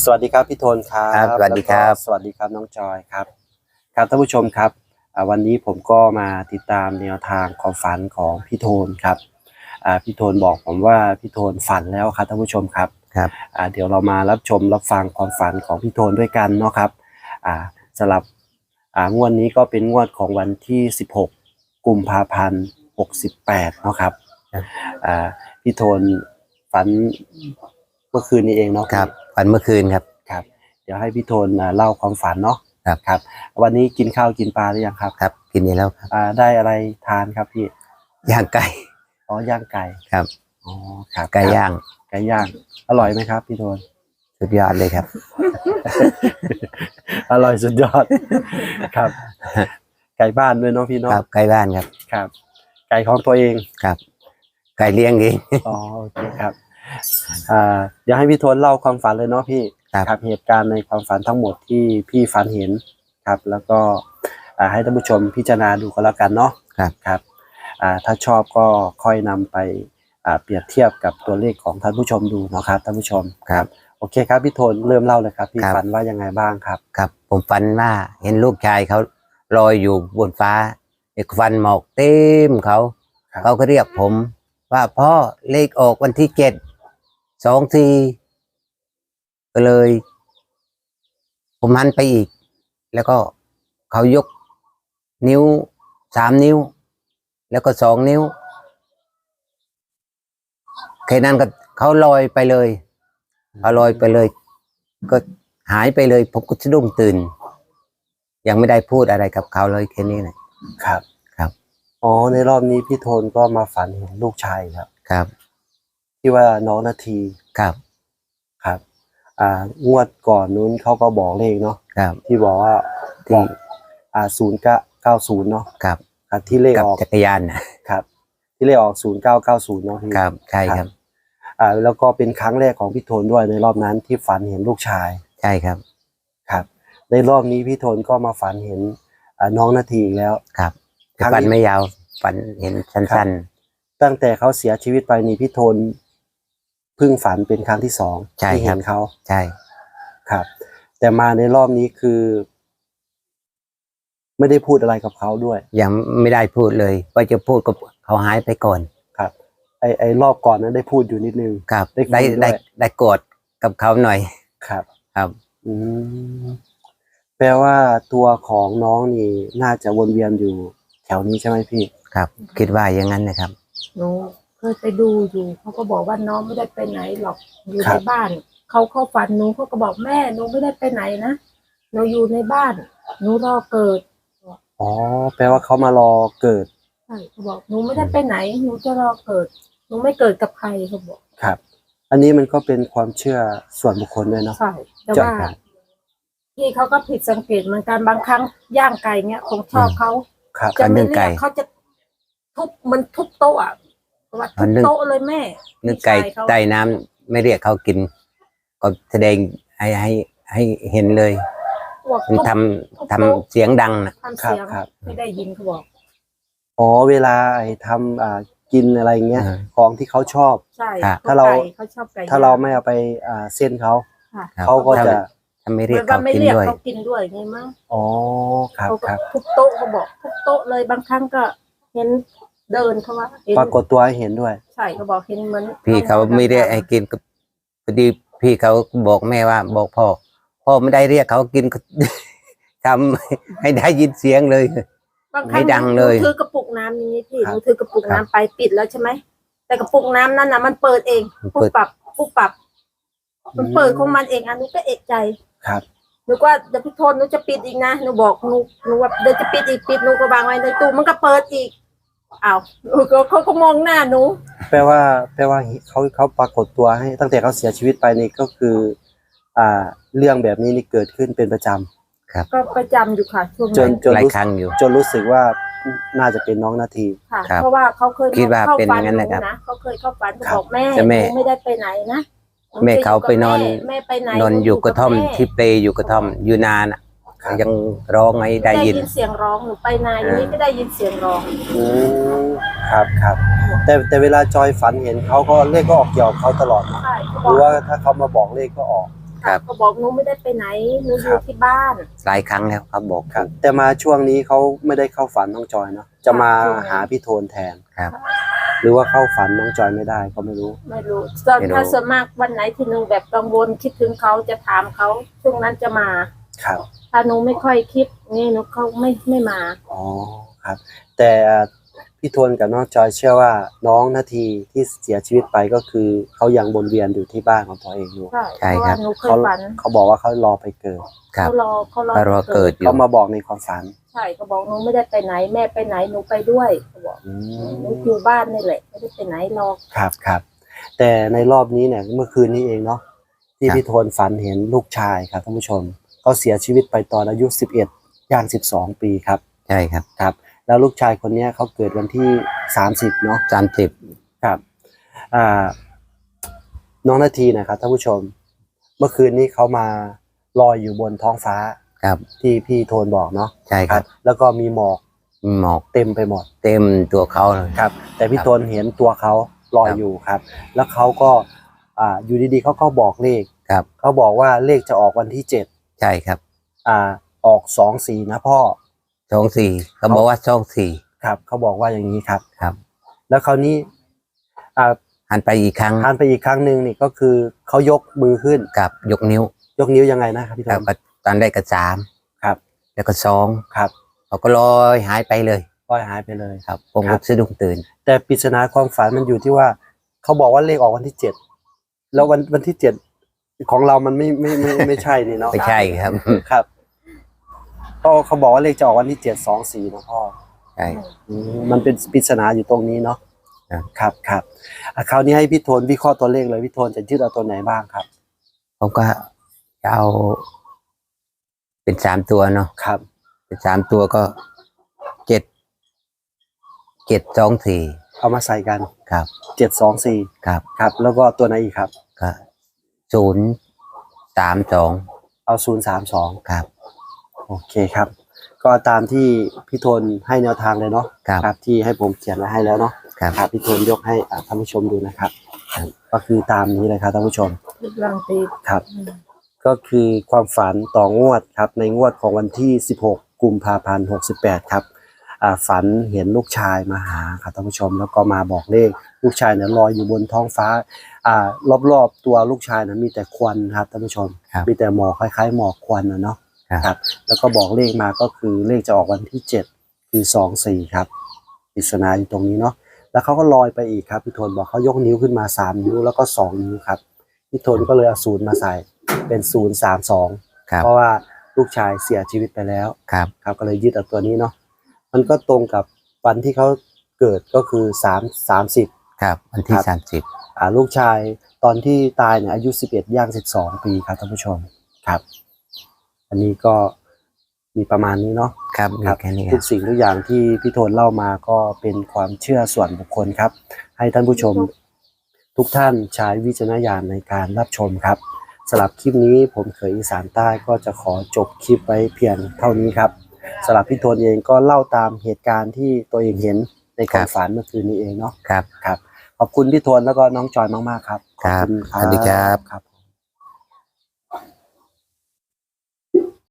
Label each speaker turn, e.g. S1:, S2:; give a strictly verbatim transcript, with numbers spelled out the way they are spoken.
S1: สวัสดีครับพี่โทนครับ
S2: สวัสดีครับ
S1: สวัสดีครับน้องจอยครับครับท่านผู้ชมครับวันนี้ผมก็มาติดตามแนวทางความฝันของพี่โทนครับพี่โทนบอกผมว่าพี่โทนฝันแล้วครับท่านผู้ชมครับ
S2: ครับ
S1: เดี๋ยวเรามารับชมรับฟังความฝันของพี่โทนด้วยกันเนาะครับสำหรับงวดนี้ก็เป็นงวดของวันที่สิบหกกุมภาพันธ์หกสิบแปดเนาะครับพี่โทนฝันเมื่อคืนนี้เองเนาะ
S2: ครับฝันเมื่อคืนครับ
S1: ครับเดี๋ยวให้พี่โทนเล่าความฝันเนาะ
S2: ครับ
S1: ครับวันนี้กินข้าวกินปลาหรือยังครับ
S2: ครับกินแล้วครับ
S1: ได้อะไรทานครับพี่
S2: ย่างไก่
S1: อ๋อย่างไก่
S2: ครับ
S1: อ๋อครับ
S2: ไก่ย่าง
S1: ไก่ย่างอร่อยไหมครับพี่โทน
S2: สุดยอดเลยครับ
S1: อร่อยสุดยอดครับไก่บ้านด้วยเนาะพี่เนาะ
S2: ครับไก่บ้านครับ
S1: ครับไก่ของตัวเอง
S2: ครับไก่เลี้ยงเอง
S1: อ๋อโอเคครับอ่าเดี๋ยวให้พี่โทนเล่าความฝันเลยเนาะพี่ครับเหตุการณ์ในความฝันทั้งหมดที่พี่ฝันเห็นครับแล้วก็ให้ท่านผู้ชมพิจารณาดูก็แล้วกันเนาะ
S2: ครับ
S1: ครับถ้าชอบก็ค่อยนำไปเปรียบเทียบกับตัวเลขของท่านผู้ชมดูเนาะครับท่านผู้ชม
S2: ครับ
S1: โอเคครับพี่โทนเริ่มเล่าเลยครับพี่ฝันว่ายังไงบ้างครับ
S2: ครับผมฝันว่าเห็นลูกชายเขาลอยอยู่บนฟ้าเอกฟันหมอกเต็มเขาเขาก็เรียกผมว่าพ่อเลขออกวันที่เจ็ดสองทีก็เลยผมหันไปอีกแล้วก็เขายกนิ้วสามนิ้วแล้วก็สองนิ้วแค่นั้นก็เขาลอยไปเลยเขาลอยไปเลยก็หายไปเลยผมก็สะดุ้งตื่นยังไม่ได้พูดอะไรกับเขาเลยแค่นี้นะครับครับ
S1: อ๋อในรอบนี้พี่โทนก็มาฝันเห็นลูกชายครับ
S2: ครับ
S1: ที่ว่าน้องนาที
S2: ครับ
S1: ครับอ่างวดก่อนนู้นเขาก็บอกเลขเนาะ
S2: ครับ
S1: ที่บอกว่าที่อ่าศูนย์เก้าเก้าศูนย์เนาะ
S2: ครับ
S1: ที่เลขออก
S2: จักรยานนะครับ
S1: ที่เลขออกศูนย์เก้าเก้าศูนย์เนาะพี่
S2: ครับใช่ครับ
S1: อ่าแล้วก็เป็นครั้งแรกของพี่โทนด้วยในรอบนั้นที่ฝันเห็นลูกชาย
S2: ใช่ครับ
S1: ครับในรอบนี้พี่โทนก็มาฝันเห็นอ่าน้องนาทีอีกแล้ว
S2: ครับฝันไม่ยาวฝันเห็นสั้น
S1: ๆตั้งแต่เขาเสียชีวิตไปนี่พี่โทนเพิ่งฝันเป็นครั้งที่สองที่เห็นเขา
S2: ใช่
S1: ครับแต่มาในรอบนี้คือไม่ได้พูดอะไรกับเขาด้วย
S2: ยังไม่ได้พูดเลยว่าจะพูดกับเขาหายไปก่อน
S1: ครับไอไอรอบก่อนนั้นได้พูดอยู่นิดนึง
S2: ครับได้ได้ได้ได้กอดกับเขาหน่อย
S1: ครับ
S2: ครับ
S1: อืมแปลว่าตัวของน้องนี่น่าจะวนเวียนอยู่แถวนี้ใช่ไหมพี่
S2: ครับคิดว่าอย่างนั้นนะครับ
S3: หนูเคยไปดูอยู่เขาก็บอกว่าน้องไม่ได้ไปไหนหรอกอยู่ในบ้านเขาเข้าฝันหนูเขาก็บอกแม่หนูไม่ได้ไปไหนนะหนูอยู่ในบ้านหนูรอเกิด
S1: อ๋อแปลว่าเขามารอเกิด
S3: ใช่เขาบอกหนูไม่ได้ไปไหนหนูจะรอเกิดหนูไม่เกิดกับใครเขาบอก
S1: ครับอันนี้มันก็เป็นความเชื่อส่วนบุคคลด้วยเนาะ
S3: ใช่แต่ว่าที่เขาก็ผิดสังเกตเหมือนกันบางครั้งย่างไก่เนี้ยของชอบเขาจะไม่เรียกเขาจะทุบมันทุบโต๊ะอ่ะว่าทุบโต๊ะเลยแม่
S2: นึกไก่ใต้น้ำไม่เรียกเขากินก็แสดงให้ให้ให้เห็นเลยมันทำทำเสียงดังนะ
S3: ทำเสียงไม่ได้ยินเขาบอก
S1: อ๋อเวลาไอ้ทำอ่ากินอะไรเงี้ยของที่เขาชอบ
S3: ใช่
S1: ถ้าเราถ้าเราไม่เอาไปอ่าเส้นเขาเขาก็จะ
S2: ทำไม่เรียกเขากินด้วย
S3: เขากินด้วยไงมั้ง
S1: อ๋อครับครับ
S3: ทุบโต๊ะเขาบอกทุบโต๊ะเลยบางครั้งก็เห็นเดินเขาว่า
S1: ปรากฏตัวให้เห็นด้วย
S3: ใช่เขาบอกเห็นเหมือน
S2: พี่เขาไม่ได้ให้กินพอดีพี่เขาบอกแม่ว่าบอกพ่อพ่อไม่ได้เรียกเขากินทำให้ได้ยินเสียงเลยไม่ดังเลย
S3: ถือกระปุกน้ำนี้พี่หนูถือกระปุกน้ำไปปิดแล้วใช่ไหมแต่กระปุกน้ำนั้นน่ะมันเปิดเองปุ๊บปับปุ๊บปับมันเปิดของมันเองอันนี้ก็เอกใจ
S1: ครับ
S3: หนูว่าเดี๋ยวพี่โทนหนูจะปิดอีกนะหนูบอกหนูหนูว่าเดี๋ยวจะปิดอีกปิดหนูก็วางไว้ในตู้มันก็เปิดอีกอ้าวเขาก็มองหน้าหนู
S1: แปลว่าแปลว่าเขาเขาปรากฏตัวให้ตั้งแต่เขาเสียชีวิตไปนี่ก็คืออ่าเรื่องแบบนี้นี่เกิดขึ้นเป็นประจำ
S2: ครับ
S3: ก็ประจำอยู่ค่ะช่วง
S1: จนจน
S2: หลายครั้งอยู่
S1: จนรู้สึกว่าน่าจะเป็นน้องนาที
S3: ค่ะเพราะว่าเขาเคย
S2: คิดว่าเป็นอย่างนั้นนะครับ
S3: เขาเคยเข้าฝันบอกแม่ไม่ได้ไปไหนนะ
S2: แม่เขาไปนอนนอนอยู่กระท่อมที่เปลอยู่กระท่อมอยู่นานอ่ะยังร้องไงได้ยิน
S3: เสียงร้องหนูไปนานอย่างนี้ไม่ได้ยินเสียงร้อง
S1: อืมครับครับแต่แต่เวลาจอยฝันเห็นเขาก็เลขก็ออกเกี่ยวเขาตลอดนะหรือว่าถ้าเขามาบอกเลขก็ออก
S2: ครับ
S3: เขาบอกหนูไม่ได้ไปไหนหนูอยู่ที่บ้าน
S2: หลายครั้งแล้วเขาบอก
S1: ครับ แต่มาช่วงนี้เขาไม่ได้เข้าฝันน้องจอยเนาะจะมาหาพี่โทนแทน
S2: ครับ
S1: หรือว่าเข้าฝันน้องจอยไม่ได้ก็ไม่รู้
S3: ไม่รู้ส่วน
S2: ไม่รู้
S3: ถ้าส่วนมากวันไหนที่หนูแบบกังวลคิดถึงเขาจะถามเขาช่วงนั้นจะมา
S1: ครับ
S3: ถ้าหนูไม่ค่อยคิดนี่หนูเขาไม่ไม่มา
S1: อ๋อครับ แต่พี่โทนกับน้องจอยเชื่อว่าน้องนาทีที่เสียชีวิตไปก็คือเขายังวนเวียนอยู่ที่บ้านของตัวเองอยู่
S3: ใช่
S2: ใช่
S3: เพราะ
S2: ครั
S3: ว่า
S2: บ
S3: หนูเคย
S1: เขา
S3: ฝัน
S1: เขาบอกว่าเขารอไปเกิด
S2: ครับ
S3: เขารอเขารอ
S2: เขารอเกิดอยู่
S1: เขามาบอกในความฝัน
S3: ใช่เขาบอกหนูไม่ได้ไปไหนแม่ไปไหนหนูไปด้วยเขาบอก
S1: อื
S3: หนู
S1: ม
S3: อยู่บ้านนี่แหละไม่ได้ไปไหนหรอก
S1: ครับครับแต่ในรอบนี้เนี่ยเมื่อคืนนี้เองเนาะที่พี่โทนฝันเห็นลูกชายครับท่านผู้ชมเขาเสียชีวิตไปตอนอายุสิบเอ็ดย่างสิบสองปีครับ
S2: ใช่ครับ
S1: ครับแล้วลูกชายคนเนี้ยเขาเกิดวันที่สามสิบเนาะ
S2: สามสิบ
S1: ครับอ่าน้องนาทีนะครับท่านผู้ชม เมื่อคืนนี้เขามาลอยอยู่บนท้องฟ้า
S2: ครับ
S1: ที่พี่โทนบอกเนาะ
S2: ใช่ครับ
S1: แล้วก็มีหมอก
S2: มีหมอก
S1: เต็มไปหมด
S2: เต็มตัวเขาเลย
S1: ครับ แต่พี่โทนเห็นตัวเขาลอย
S2: ครับ
S1: อยู่ครับ แล้วเขาก็อ่าอยู่ดีๆเขาก็บอกเลข
S2: ครับ
S1: เขาบอกว่าเลขจะออกวันที่เจ็ด
S2: ใช่ครับ
S1: อ่าออกสองสี่นะพ่อ
S2: สองสี่เขาบอกว่าสองสี่
S1: ครับเขาบอกว่าอย่างนี้ครับ
S2: ครับ
S1: แล้วคราวนี้อ่า
S2: หันไปอีกครั้ง
S1: ทานไปอีกครั้งหนึ่งนี่ก็คือเขายกมือขึ้น
S2: กับยกนิ้ว
S1: ยกนิ้วยังไงนะครับพี่โท
S2: ครับ
S1: น
S2: ก็ตอนแรกก็สาม
S1: ครับ
S2: แล้วก็สอง
S1: ครับ
S2: เขาก็ลอยหายไปเลย
S1: ปล่อยหายไปเลย
S2: ครับผม
S1: ครั
S2: ก็
S1: บ
S2: สะดุ้งตื่น
S1: แต่ปริศนาความฝันมันอยู่ที่ว่าเขาบอกว่าเลขออกวันที่เจ็ดแล้ววันวันที่เจ็ดของเรามันไม่ไม่ไม่ไม่ไม่ใช่นี่เนาะ
S2: ไม่ใช่ครับ
S1: ครับก็เขาบอกว่าเลขจะออกวันที่เจ็ดสองสี่นะพ่อ
S2: ใช่
S1: อืมมันเป็นปริศนาอยู่ตรงนี้เนาะ
S2: ครับ
S1: ครับครับอ่ะคราวนี้ให้พี่โทนวิเคราะห์ตัวเลขเลยพี่โทนจะยึดเอาตัวไหนบ้างครับ
S2: ผมก็จะเอา เป็นสามตัวเนาะ
S1: ครับ
S2: เป็นสามตัวก็เจ็ดเจ็ดสองสี่
S1: เอามาใส่กัน
S2: ครับ
S1: เจ็ดสองสี่
S2: ครับ
S1: ครับ แล้วก็ตัวไหนอีกครับ
S2: ก็ศูนย์สามสอง
S1: เอาศูนย์สามสอง
S2: ครับ
S1: โอเคครับ ก็ตามที่พี่โทนให้แนวทางเลยเนาะ
S2: ครับ
S1: ที่ให้ผมเขียนไว้ให้แล้วเนาะ
S2: ครับ
S1: ครับพี่โทนยกให้อ่าท่านผู้ชมดูนะครับ
S2: ครับ
S1: ก็คือตามนี้เลยครับท่านผู้ชม
S3: ทุกรังตี
S1: ครับ ก็คือความฝันต่องวดครับในงวดของวันที่สิบหกกุมภาพันธ์หกสิบแปดครับอ่าฝันเห็นลูกชายมาหาครับท่านผู้ชมแล้วก็มาบอกเลขลูกชายเนี่ยลอยอยู่บนท้องฟ้าอ่ารอบๆตัวลูกชายนะมีแต่ควันครับท่านผู้ชม
S2: ครับ
S1: มีแต่หมอกคล้ายๆหมอกควันนะเนาะ
S2: ครับ
S1: ครับแล้วก็บอกเลขมาก็คือเลขจะออกวันที่เจ็ดคือสองสี่ครับปริศนาอยู่ตรงนี้เนาะแล้วเขาก็ลอยไปอีกครับพี่โทนบอกเขายกนิ้วขึ้นมาสามนิ้วแล้วก็สองนิ้วครับพี่โทนก็เลยเอาศูนย์มาใส่เป็นศูนย์สามสอง
S2: ครับ
S1: เพราะว่าลูกชายเสียชีวิตไปแล้ว
S2: ครับ
S1: ครับก็เลยยึดเอาตัวนี้เนาะมันก็ตรงกับวันที่เขาเกิดก็คือสามสามสิบ
S2: ครับวันที่
S1: ครับ
S2: สามสิบ
S1: อ่าลูกชายตอนที่ตายเนี่ยอายุสิบเอ็ดย่างสิบสองปีครับท่านผู้ชมครับ อันนี้ก็มีประมาณนี้เนาะ
S2: ครับมี
S1: ครับ
S2: แค่นี้ค
S1: ทุ
S2: รั
S1: ก
S2: บ
S1: สิ่งทุกอย่างที่พี่โทนเล่ามาก็เป็นความเชื่อส่วนบุคคลครับ ให้ท่านผู้ชมทุกท่านใช้วิจารณญาณในการรับชมครับสำหรับคลิปนี้ผมเขยอีสานใต้ก็จะขอจบคลิปไว้เพียงเท่านี้ครับสำหรับพี่โทนเองก็เล่าตามเหตุการณ์ที่ตัวเองเห็นในความฝันเมื่อคืนนี้เองเนาะ
S2: ครับ
S1: ครับขอบคุณพี่โทนแล้วก็น้องจอยมากๆครับขอบคุณ
S2: ครับสวัสดีครับ
S1: ครับ